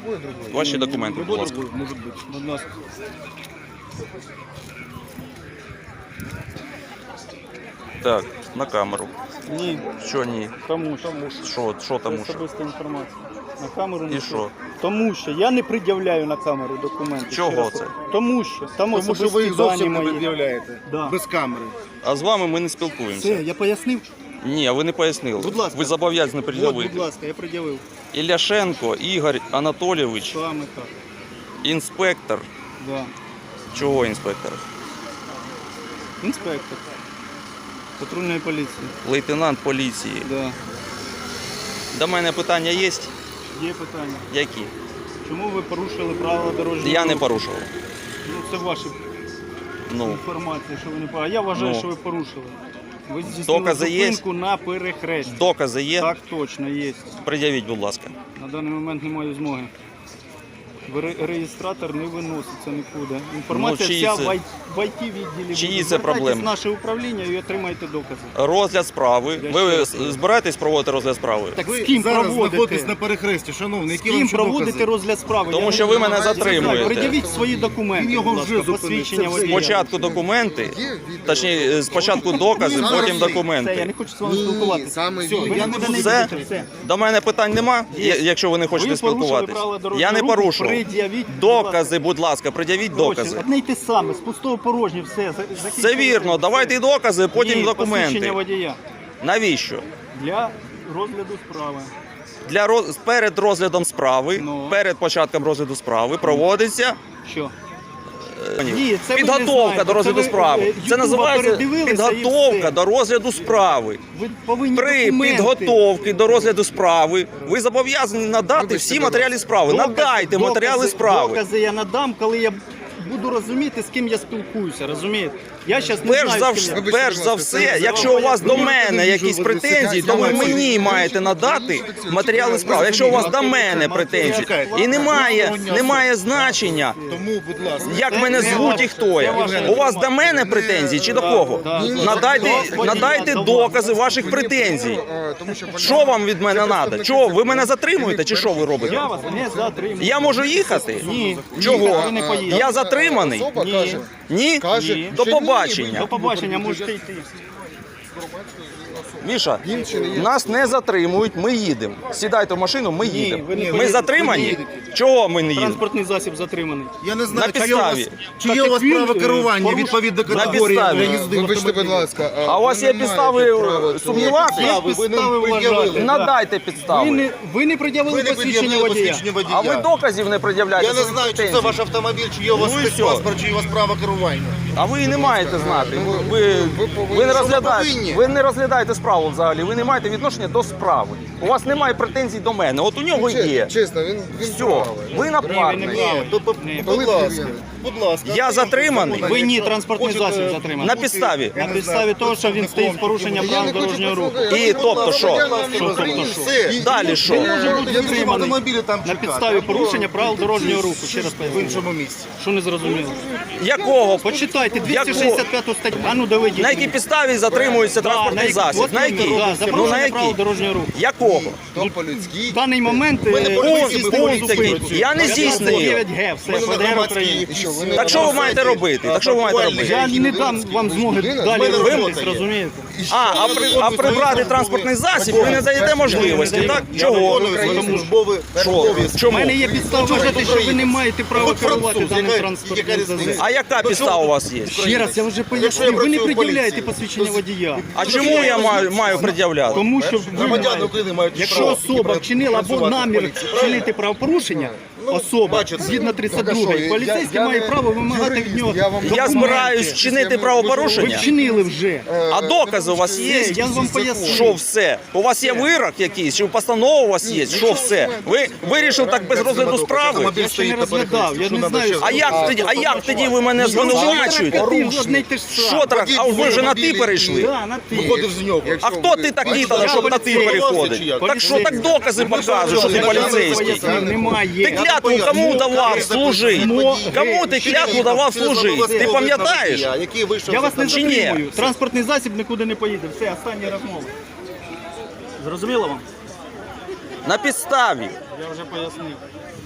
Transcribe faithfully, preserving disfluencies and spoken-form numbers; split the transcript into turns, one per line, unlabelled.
Ваші документи, будь ласка.
Може бути, будь ласка.
Так, на камеру.
Ні,
Що ні?
тому що.
Що, що
Це
тому що?
особиста інформація. На камеру
І
не
що?
Тому що я не пред'являю на камеру документи.
Чого
Ще раз.
це?
Тому що там
Тому що
особисті
ви їх
дані
зовсім не
мої.
пред'являєте.
Да.
Без камери.
А з вами ми не
Все,
спілкуємося.
я пояснив.
Ні, ви не пояснили.
Будь ласка.
Ви зобов'язані
От, будь
пред'явити.
ласка, я пред'явив.
Ілляшенко Ігор Анатолійович,
Саме так.
інспектор.
Да.
Чого інспектор?
Інспектор. Патрульної поліції.
Лейтенант поліції.
Да.
До мене питання є?
Є питання.
Які?
Чому ви порушили правила дорожнього
Я не
руху?
порушував.
Ну, це ваша
Ну,
інформація, що ви не порушили. А я вважаю,
Ну.
що ви порушили. Ви здійснили
Докази є?
зупинку на перехресті.
докази є?
Так точно є.
Пред'явіть, будь ласка.
На даний момент не маю змоги. Ви ре- Реєстратор не виноситься нікуди. Інформація
Ну, чиї
вся
це-
в ай- в ай ті відділі.
Чиї
буде.
це
Звертайтесь
проблеми?
в наше управління і отримайте докази.
Розгляд справи.
Я
Ви
ще раз кажу.
збираєтесь проводити розгляд справи?
Так
Ви
з ким
зараз
проводите?
знаходитесь на перехресті, шановний,
З
які вам
ким
ще
проводите
докази?
розгляд справи?
Тому
Я
що
не
ви
знаю.
мене затримуєте.
Пред'явіть свої документи.
Він його
будь
вже
ласка,
зупинив.
посвідчення
Це все.
водія.
Спочатку документи, точніше, спочатку докази,
Він
потім
зараз-
Все, я
документи.
не хочу з вами спілкуватися.
саме
Все,
він.
ви
Я не
нікуди
буду-
не
Все?
йдете, все.
До мене питань нема,
Є.
якщо ви не хочете
Ви порушили
спілкуватись.
правила дорожнього
Я не
руху,
порушував.
пред'явіть, будь ласка.
Докази, будь ласка, пред'явіть докази.
Одне й те саме, з пустого порожнє, все. за-
Це
закінчили.
вірно, давайте і докази, потім
Ні,
документи.
посвідчення водія.
Навіщо?
Для розгляду справи.
Для роз... перед розглядом справи,
Ну.
перед початком розгляду справи проводиться
Що?
е,
Ні, це ви не
підготовка
знаєте.
до розгляду
Це ви,
справи.
е,
Це
Ютуба
називається
передивилися і
підготовка
все.
до розгляду справи.
Ви повинні
При
документи.
підготовці до розгляду справи ви зобов'язані надати всі матеріали справи.
Докази-
Надайте
докази-
матеріали справи.
Докази я надам, коли я буду розуміти, з ким я спілкуюся, розумієте? Я зараз не
Перш
знаю,
за,
з ким
вс-
я.
Вибачте,
перш
будь
за
ласка,
все,
це
якщо у вас до
ви
мене
не
якісь
можете
претензії,
сидіти,
то ви
я маю
мені
свої
маєте надати матеріали справи. Якщо у вас до мене претензії і немає, немає значення,
Тому, будь ласка.
як
Це-
мене
це
звуть
ваше-
і хто
це
я.
ваше
У вас до мене претензії чи до кого?
Да, да.
Надайте,
До-
надайте
до-
докази ваших претензій. Що вам від мене треба? Чого? Ви мене затримуєте чи що ви робите?
Я вас не затримую.
Я можу їхати?
Ні.
Чого?
Ви не поїдете.
Я затриманий?
Ні.
Ні?
Ні.
До побачення.
До побачення, можете йти.
Міша, нас не затримують, ми їдемо. Сідайте в машину, ми
Ні,
їдемо.
ви не
Ми
поїдете.
затримані?
Ви не
Чого ми не їдемо?
Транспортний засіб затриманий.
Я не знаю,
На
чи є у вас,
підставі.
чи
Так
є у вас
як він,
право
е,
керування
порушив-
відповідно до
На
категорії
підставі.
для їзди в
Вибачте, будь
автомобілі.
ласка.
А у вас є
ви не
підстави
маєте права
сумніватися?
Є
ви
підстави
нам
вважати.
пред'явили.
да.
Надайте
Ви
підстави.
не, ви не пред'явили
Ви не
посвідчення
пред'явили
водія.
посвідчення водія.
А ви доказів не пред'являєте.
Я не
своїх
знаю, чи це
претензій.
ваш автомобіль, чи є у вас
Ну і
паспорт, чи є у вас право керування.
А ви і не маєте знати. Ви, ви, ви, не розглядаєте,
повинні.
ви не розглядаєте справу взагалі. Ви не маєте відношення до справи. У вас немає претензій до мене. От у нього є.
Чесно, він, він
Все,
правий.
ви напарник.
Ні,
Ні, то, то,
Ні.
будь ласка, будь ласка.
Я затриманий.
Ви ні, транспортний
Хочете
засіб затриманий.
На підставі.
На підставі того, що він стоїть з порушення
Я
правил
не хочу
дорожнього руху.
послухати.
І тобто що?
Що тобто що?
Все.
Далі що?
Може бути
Я в
затриманий
автомобілі там
на
чекати.
підставі порушення правил дорожнього руху. Ще раз
В
поясню.
іншому місці.
Що не зрозуміло?
Якого?
Почитайте двісті шістдесят п'яту статтю. А ну доведіть.
На якій підставі затримується
Да,
транспортний
які-
засіб?
от
На
іменно,
якій?
да, за
Ну на
порушення правил
якій?
дорожнього руху.
Якого?
То по-людськи.
В даний момент
Ми не
е,
поліції,
ви
ми
здійснили
поліції
зупинку.
працюємо.
Я не здійснив.
дев'ять Г, все,
Ми не
ФДР
громадські
України.
І що, ви не
Так що ви маєте робити? Так що ви маєте робити?
Я не дам вам змоги далі
мене робота
рухатись,
є.
розумієте?
А, а, при, а прибрати транспортний засіб ви не даєте можливості, так?
Я
Чого?
виконую свої службові
Що?
обов'язки.
У
Чому?
мене є підстава вважати, що ви не маєте права
От
керувати
француз,
даним
яка-
транспортним
яка різниця?
засобом.
А яка підстава у вас є?
Ще раз, я вже
Якщо я
пояснив, ви не
працюю в
пред'являєте
поліції,
посвідчення водія.
А чому я маю, маю пред'являти?
Тому що ви
Громадяни
маєте-
України мають
якщо
право
особа вчинила або
працювати в
намір
поліції,
вчинити правопорушення, особа
бачите.
згідно тридцять другої,
Так, а що,
поліцейський
я- я
має
не
право вимагати
юрист,
від нього.
я вам-
Я
документи.
збираюсь вчинити
Ви
Ви
правопорушення.
вчинили вже.
А докази у вас є?
Все, я вам поясню.
Що все? У вас є вирок якийсь, чи постанова у вас є? Що все? Ви вирішили так без розгляду справи?
Я ще не розглядав, я не знаю.
А як тоді, а як тоді ви мене звинувачуєте?
Одне й те ж саме.
Що так? А ви вже на ти перейшли?
Да, на ти.
Виходив з нього.
А хто ти такий тоді, щоб на ти переходить? Так що так докази показують, що ти поліцейський.
Немає.
Ти клятву кому давав служити? Кому ти клятву давав служити? Ти пам'ятаєш?
Який вийшов
Я вас не
Чи ні?
затримую. Транспортний засіб нікуди не поїде. Все, останні розмови. Зрозуміло вам?
На підставі.
Я вже пояснив.